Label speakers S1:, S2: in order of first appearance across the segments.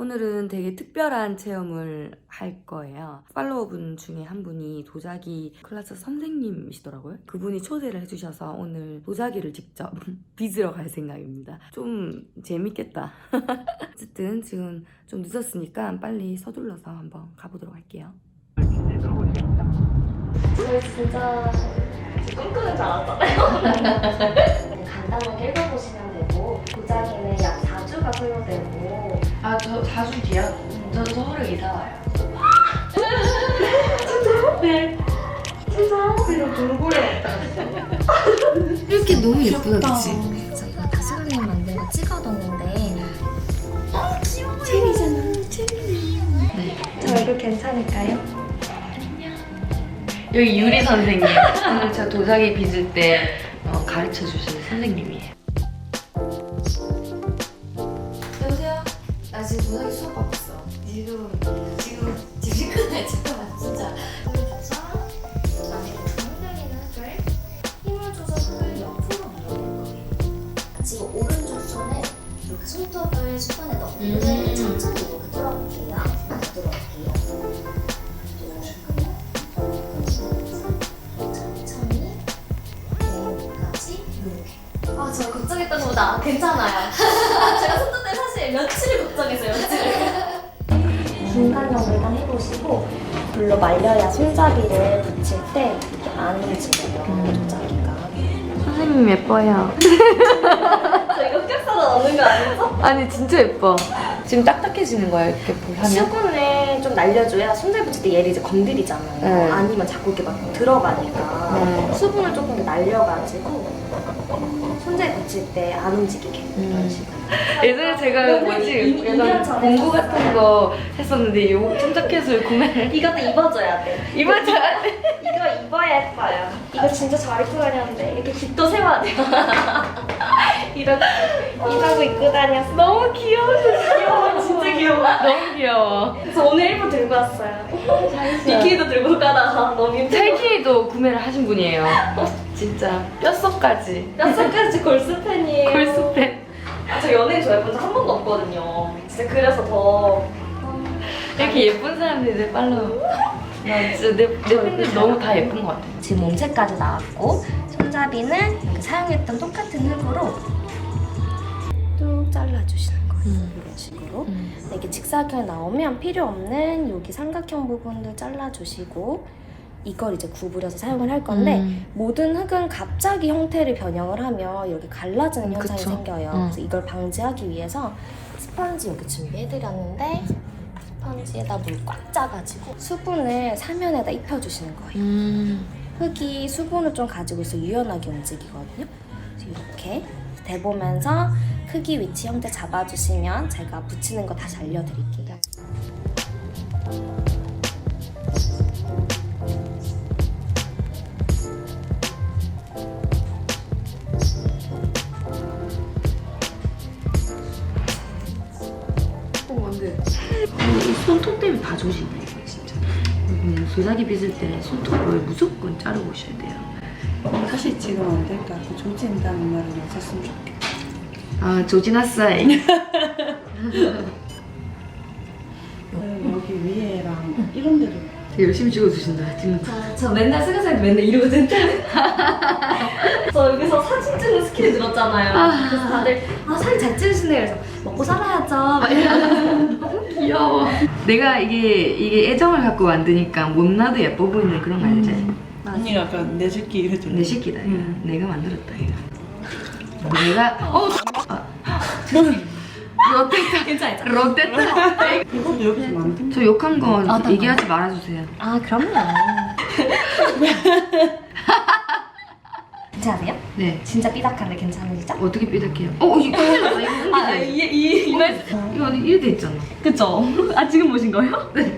S1: 오늘은 되게 특별한 체험을 할 거예요. 팔로워분 중에 한 분이 도자기 클래스 선생님이시더라고요. 그분이 초대를 해주셔서 오늘 도자기를 직접 빚으러 갈 생각입니다. 좀 재밌겠다. 어쨌든 지금 좀 늦었으니까 빨리 서둘러서 한번 가보도록 할게요.
S2: 저희 진짜 꿈꾸는 줄 알았잖아요. 간단하게 읽어보시면 되고 도자기는 약 4주가 소요되고
S1: 아, 저 4주 뒤야? 저 서울에 이사 와요.
S2: 진짜요? 네. 진짜요? 이런 돌고래
S1: 이렇게 너무 예쁘다, 그치?
S2: 저희가 다스글림 만든 거 찍어뒀는데
S1: 체리잖아, 체리. 네.
S2: 저 이거 괜찮을까요?
S1: 여기 유리 선생님. 오늘 저 도자기 빚을 때 가르쳐 주시는 선생님이에요. 여보세요? 나 지금 도자기 수업 받고 있어. 지금 시간에 잠깐만 진짜.
S2: 만약에 흔들리는 흙을 힘을 줘서 흙을 옆으로 밀어낼 거예요. 지금 오른쪽 손에 이렇게 손톱을 수건에 넣고 천천히 이렇게 뚫어볼게요. 뚫어볼게요. 천천히 여기까지 이렇게. 아, 저 걱정했던 것보다 괜찮아요. 제가 손톱 때 사실 며칠을 걱정했어요. 며칠을. 중간형을 일단 해보시고 물로 말려야 손잡이를 붙일 때 이렇게 안 움직여요. 도자기가.
S1: 선생님 예뻐요.
S2: 저 이거 흑역사로 넣는 거 아니죠?
S1: 아니 진짜 예뻐. 지금 딱딱해지는 거야 이렇게 하면?
S2: 수분을 좀 날려줘야 손잡이 붙일 때 얘를 이제 건드리잖아요.
S1: 네.
S2: 아니면 자꾸 이렇게 막 들어가니까
S1: 네.
S2: 수분을 조금 더 날려가지고 손잡이 붙일 때 안 움직이게 이런 식으로.
S1: 예전에 제가 뭐지 약간 공구 같은 거 했었는데 요 손자켓을 구매를
S2: 이것도 입어줘야 돼.
S1: 입었잖아.
S2: 이거 입어야 예뻐요. 이거 진짜 잘 입고 다녔는데 이렇게 깃도 세워야 돼요. 이렇게 이러고 입고 다녔어.
S1: 너무 귀여워.
S2: 진짜 귀여워.
S1: 너무 귀여워.
S2: 그래서 오늘 일부 들고 왔어요. 비키니도 들고 가다가 너무 힘들어.
S1: 찰키니도 구매를 하신 분이에요. 진짜 뼛속까지.
S2: 뼛속까지 골스팬이에요.
S1: 골스팬.
S2: 아, 저 연예인 좋아해본 적 한 번도 없거든요. 진짜 그래서 더
S1: 이렇게 예쁜 사람들이 내 팔로우. 나 진짜 내 팬들 너무 다 예쁜 것 같아.
S2: 지금 몸체까지 나왔고 손잡이는 이렇게 사용했던 똑같은 흙으로 뚝 잘라주시는 거예요. 이런 식으로. 근데 이게 직사각형이 나오면 필요 없는 여기 삼각형 부분도 잘라주시고 이걸 이제 구부려서 사용을 할 건데 모든 흙은 갑자기 형태를 변형을 하면 이렇게 갈라지는 현상이
S1: 그쵸.
S2: 생겨요. 그래서 이걸 방지하기 위해서 스펀지 이렇게 준비해드렸는데 스펀지에다 물 꽉 짜가지고 수분을 사면에다 입혀주시는 거예요. 흙이 수분을 좀 가지고 있어 유연하게 움직이거든요. 그래서 이렇게 대보면서 크기, 위치, 형태 잡아주시면 제가 붙이는 거 다시 알려드릴게요.
S1: 근데 이 손톱 때문에 다 조심해 이거 진짜. 도자기 빚을 때 손톱을 무조건 자르고 오셔야 돼요.
S3: 사실 지금 안 될까? 그 조진다는 말은 없었으면 좋겠다.
S1: 아 조지나사이.
S3: 여기 위에랑 이런 데도
S1: 열심히 찍어주신다 지금.
S2: 저 맨날 스가살 맨날 이러거든요. 저 여기서 사진 찍는 스킬이 늘었잖아요. 그래서 다들 사진 잘 찍으시네. 그래서 먹고 살아야죠. 막 이러면서.
S1: 귀여워. 내가 이게 애정을 갖고 만드니까 못나도 예뻐 보이는 그런 거 알지?
S3: 언니가 아까 내 새끼 해줬네.
S1: 내 새끼다 이거. 내가 만들었다 이거. 내가 롯데타.
S2: 괜찮아요.
S1: 롯데타.
S3: 이것도 여기서 만든
S1: 저 욕한 거
S2: 나
S1: 얘기하지 말아주세요.
S2: 아, 그럼요. 괜찮으세요?
S1: 네.
S2: 진짜 삐딱한데 괜찮으시죠?
S1: 어떻게 삐딱해요? 이거 큰일 났다. 이거 옮기지.
S2: 이 말.
S1: 이거 이래 돼 있잖아.
S2: 그쵸? 아, 지금 보신 거예요?
S1: 네.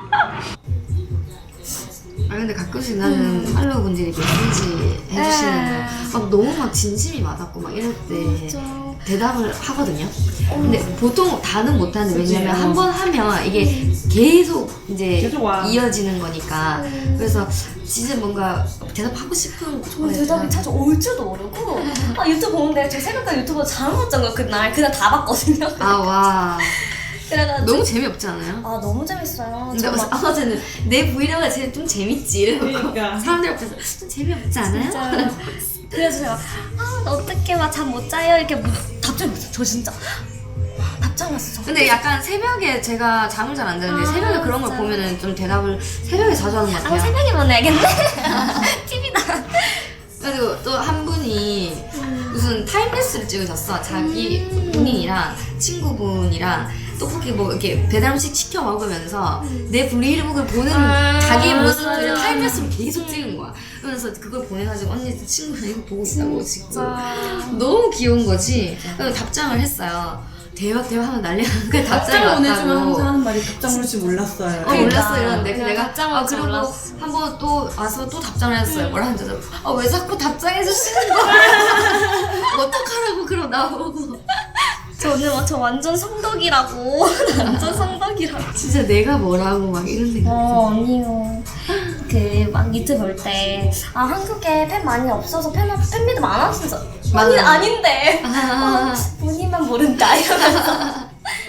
S1: 아 근데 가끔씩 나는 팔로우 분들이 메시지 해주시는 거 막 너무 막 진심이 맞았고 막 이럴 때 대답을 하거든요. 근데 보통 다는 못하는데 왜냐면 한 번 하면 이게 계속 이제
S3: 계속 와.
S1: 이어지는 거니까 그래서 진짜 뭔가 대답하고 싶은
S2: 저 대답이 자주 올 줄도 모르고 유튜브 보는데 저 생각보다 유튜브 잘못 봤던 거 그날 다 봤거든요.
S1: 아 와.
S2: 그래가지고
S1: 너무 재미없지 않아요?
S2: 아 너무 재밌어요.
S1: 근데
S2: 저 막
S1: 어제는 내 브이로그가 제일 좀 재밌지 이러고
S3: 그러니까.
S1: 사람들 앞에서 좀 재미없지 않아요?
S2: 진짜요. 그래서 제가 어떻게 막 잠 못 자요 이렇게 답장이 왔어요. 저 진짜 답장 왔어.
S1: 근데 약간 새벽에 제가 잠을 잘 안 자는데
S2: 아,
S1: 새벽에 그런 걸
S2: 진짜요?
S1: 보면은 좀 대답을 새벽에 자주 하는 것 같아요.
S2: 새벽에만 해야겠네. TV다.
S1: 그리고 또 한 분이 무슨 타임레스를 찍으셨어. 자기 본인이랑 친구분이랑 떡볶이 뭐 이렇게 배달 음식 시켜 먹으면서 내 브이로그를 보는 자기의 모습들을
S2: 맞아.
S1: 타임레스로 계속 찍은 거야. 그러면서 그걸 보내가지고 언니 친구랑 이거 보고 있다고 지금 너무 귀여운 거지. 그래서 답장을 했어요. 대박 하면 난리가 그냥 답장이
S3: 답장 보내주면
S1: 왔다고.
S3: 항상 하는 말이 답장 올 줄 몰랐어요.
S1: 몰랐어 이러는데
S2: 그냥
S1: 내가
S2: 답장을 줄
S1: 그리고
S2: 몰랐어.
S1: 한번 또 와서 또 답장을 했어요. 뭐라 하는지 왜 자꾸 답장해 주시는 거야? 어떡하라고 그럼 나보고.
S2: 저는 저 완전 성덕이라고. 완전 성덕이라고.
S1: 진짜 내가 뭐라고 막 이런 생각.
S2: 아니요. 그 막 유튜브 볼 때 한국에 팬 많이 없어서 팬미드 많아 진짜. 아니 아닌데. 본인만 모른다 이러면서.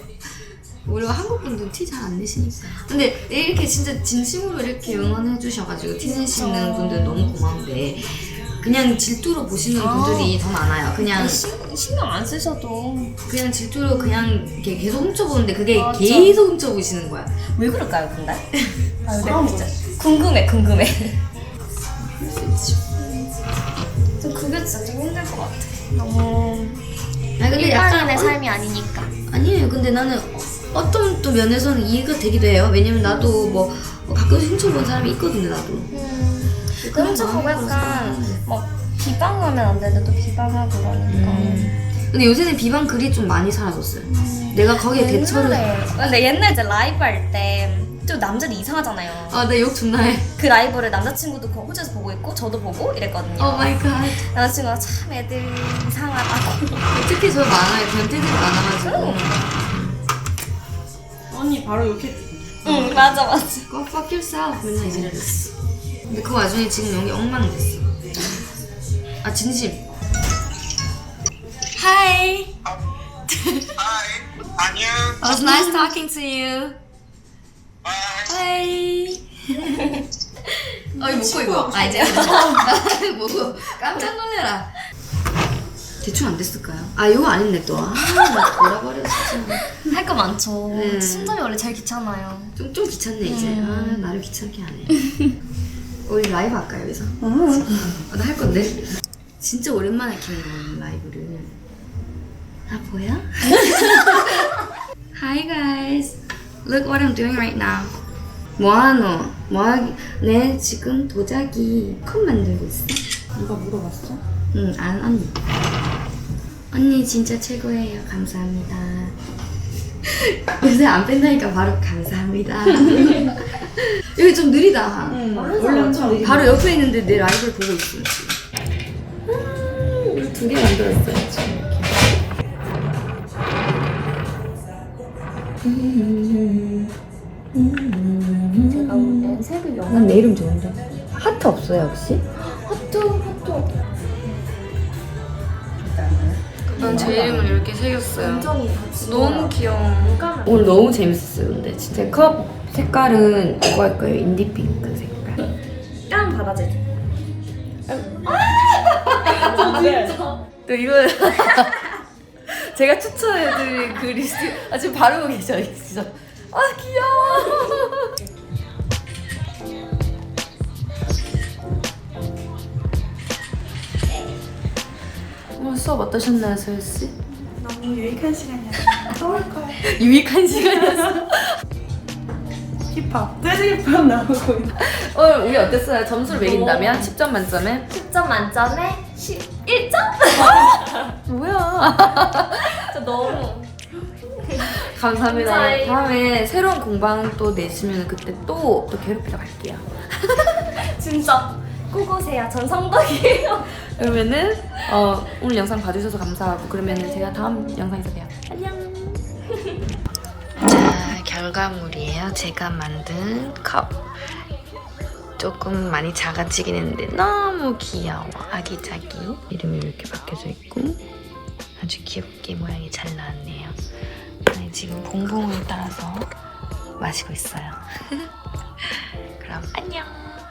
S1: 우리가 한국 분들은 티 잘 안 내시니까. 근데 이렇게 진짜 진심으로 이렇게 응원해 주셔가지고 티 내시는 분들 너무 고마운데 그냥 질투로 보시는 분들이 더 많아요. 그냥
S2: 신경 안 쓰셔도.
S1: 그냥 질투로 그냥 이렇게 계속 훔쳐보는데 그게
S2: 맞아.
S1: 계속 훔쳐보시는 거야.
S2: 왜 그럴까요 근데? 아 진짜 궁금해.
S1: 그럴 수 있지.
S2: 좀 그게 진짜 좀 힘들 것 같아. 너무
S1: 아니 근데
S2: 일반인의
S1: 약간
S2: 삶이 아니니까.
S1: 아니에요. 근데 나는 어떤 또 면에서는 이해가 되기도 해요. 왜냐면 나도 뭐 가끔씩 훔쳐본 사람이 있거든요. 나도.
S2: 훔쳐보고 약간 뭐 비방하면 안 되는데 또 비방하고 그러니까.
S1: 근데 요새는 비방 글이 좀 많이 사라졌어요. 내가 거기에 대처를.
S2: 근데 옛날 이제 라이브 할 때 좀 남자들 이상하잖아요.
S1: 아, 나 욕 존나 해.
S2: 그 라이브를 남자친구도 그 호주에서 보고 있고 저도 보고 이랬거든요.
S1: 오 마이 갓.
S2: 남자친구가 참 애들 이상하다고.
S1: 특히 저 많아요. 변태들이 많아가지고.
S3: 언니 바로 이렇게
S2: 응 맞아.
S1: Go fuck yourself. 맨날 이지랄했어. 근데 그 와중에 지금 여기 엉망됐어. 아, 진심. Hi.
S4: Hi, 안녕.
S1: It was nice talking to you.
S4: Bye.
S1: Hi. 이거 먹고 이거. 아, 이제 먹고 깜짝 놀래라. 대충 안 됐을까요? 아, 이거 안 했네 또. 아, 나 돌아버렸어.
S2: 할 거 많죠.
S1: 네.
S2: 순점이 원래 제일 귀찮아요.
S1: 좀 귀찮네 이제. 아, 나를 귀찮게 하네. 우리 라이브 할까요 여기서? 나 할 건데. 진짜 오랜만에 키는 거거든 라이브를. 아 보여? Hi guys. Look what I'm doing right now. 뭐하노? 내 지금 도자기 컵 만들고 있어.
S3: 누가 물어봤어?
S1: 응, 언니. 언니 진짜 최고예요. 감사합니다. 요새 안 뺀다니까 바로 감사합니다. 여기 좀 느리다.
S3: 원래 엄청 느리게.
S1: 바로 옆에 있는데 내 라이브를 보고 있어. 우리 2개 만들었어요 지금.
S2: 제가 원래 색을
S1: 난 내 이름 좋은데. 하트 없어요 혹시?
S2: 하트.
S1: 난 제 이름을 이렇게 새겼어요.
S2: 완전히
S1: 너무 귀여워. 오늘 너무 재밌었어요. 근데 진짜 컵 색깔은 이거 할 거예요. 인디핑크 색깔.
S2: 깡 받아줘.
S1: 또 이거 제가 추천해드린 그 리스트 지금 바르고 계셔 진짜. 아 귀여워. 수업 어떠셨나요, 소연 씨?
S3: 너무 유익한 시간이었어요. 떠올 거야.
S1: 유익한 시간이었어.
S3: 힙합. 재즈 힙합 나오고.
S1: 오늘 우리 어땠어요? 점수를 매긴다면 10점 만점에
S2: 10점 만점에 11점?
S1: 뭐야?
S2: 저 너무
S1: 감사합니다.
S2: 감사해요.
S1: 다음에 새로운 공방 또 내시면 그때 또 괴롭히러 갈게요.
S2: 진짜 꼭 오세요. 전 성덕이에요.
S1: 그러면은 오늘 영상 봐주셔서 감사하고 그러면은 제가 다음 영상에서 봬요. 안녕. 자, 결과물이에요. 제가 만든 컵. 조금 많이 작아지긴 했는데 너무 귀여워. 아기자기. 이름이 이렇게 바뀌어져 있고 아주 귀엽게 모양이 잘 나왔네요. 지금 봉봉을 따라서 마시고 있어요. 그럼 안녕.